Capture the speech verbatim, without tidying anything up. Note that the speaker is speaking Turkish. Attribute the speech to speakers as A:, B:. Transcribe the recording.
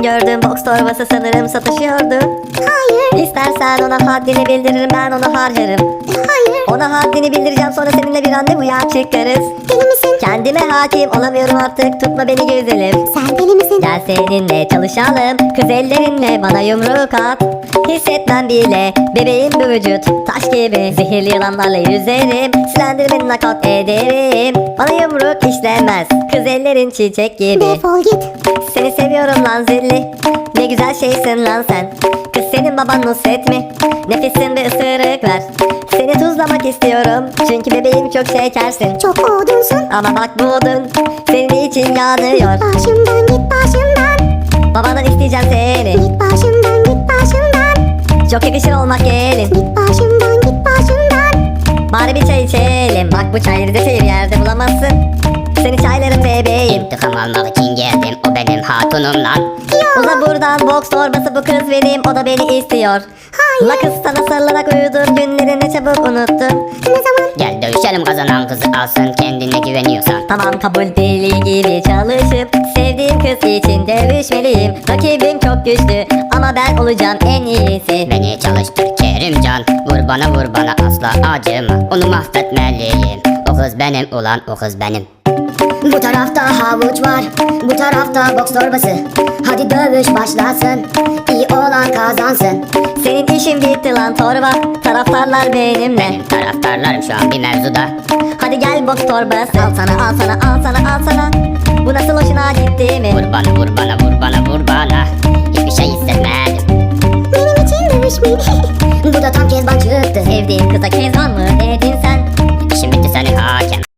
A: gördüğüm boks torbası sanırım satışıyordu.
B: Hayır.
A: İstersen ona haddini bildiririm, ben onu harcarım.
B: Hayır.
A: Ona haddini bildireceğim, sonra seninle bir randevuya çıkarız.
B: Deli misin?
A: Kendime hakim olamıyorum artık, tutma beni güzelim.
B: Sen deli misin?
A: Gel seninle çalışalım, kız ellerinle bana yumruk at. Hissetmem bile bebeğim bu vücut, taş gibi. Zehirli yılanlarla yüzerim, silendirmeni nakat ederim. Bana yumruk işlemez, kız ellerin çiçek gibi.
B: Defol git.
A: Seni seviyorum lan zilli, ne güzel şeysin lan sen. Kız senin baban Nusret mi? Nefesin bir ısırık ver. Seni tuzlamak istiyorum, çünkü bebeğim çok şekersin.
B: Çok odunsun.
A: Ama bak bu odun senin için yanıyor.
B: Başımdan git başımdan.
A: Babandan isteyeceğim seni,
B: Git başımdan git başımdan.
A: çok yakışır olmak gelin.
B: Git başımdan git başımdan.
A: Bari bir çay içelim, bak bu çayları da bir yerde bulamazsın. Seni çaylarım bebeğim.
C: İntikam almak için geldim, o benim hatunum lan.
A: Uza buradan, boks torbası bu kız benim, o da beni istiyor.
B: Hayır.
A: La kız sana sarılarak uyudum, günlerini çabuk unuttum.
B: Ne zaman?
C: Gel dövüşelim, kazanan kızı alsın, kendine güveniyorsan.
A: Tamam kabul, deli gibi çalışıp sevdiğim kız için dövüşmeliyim. Rakibim çok güçlü ama ben olacağım en iyisi.
C: Beni çalıştır Kerimcan, vur bana vur bana asla acıma. Onu mahvetmeliyim, o kız benim ulan, o kız benim.
B: Bu tarafta havuç var, bu tarafta boks torbası. Hadi dövüş başlasın, iyi olan kazansın.
A: Senin işin bitti lan torba, taraftarlar benimle.
C: Benim taraftarlarım şu an bir mevzuda.
A: Hadi gel boks torbası, al sana al sana al sana al sana. Bu nasıl hoşuna gitti mi?
C: Vur bana vur bana vur bana vur bana. Hiçbir şey hissetmedim.
B: Benim için dövüşmeyin. Bu da tam Kezban çıktı.
A: Sevdiğin kıza kezban mı dedin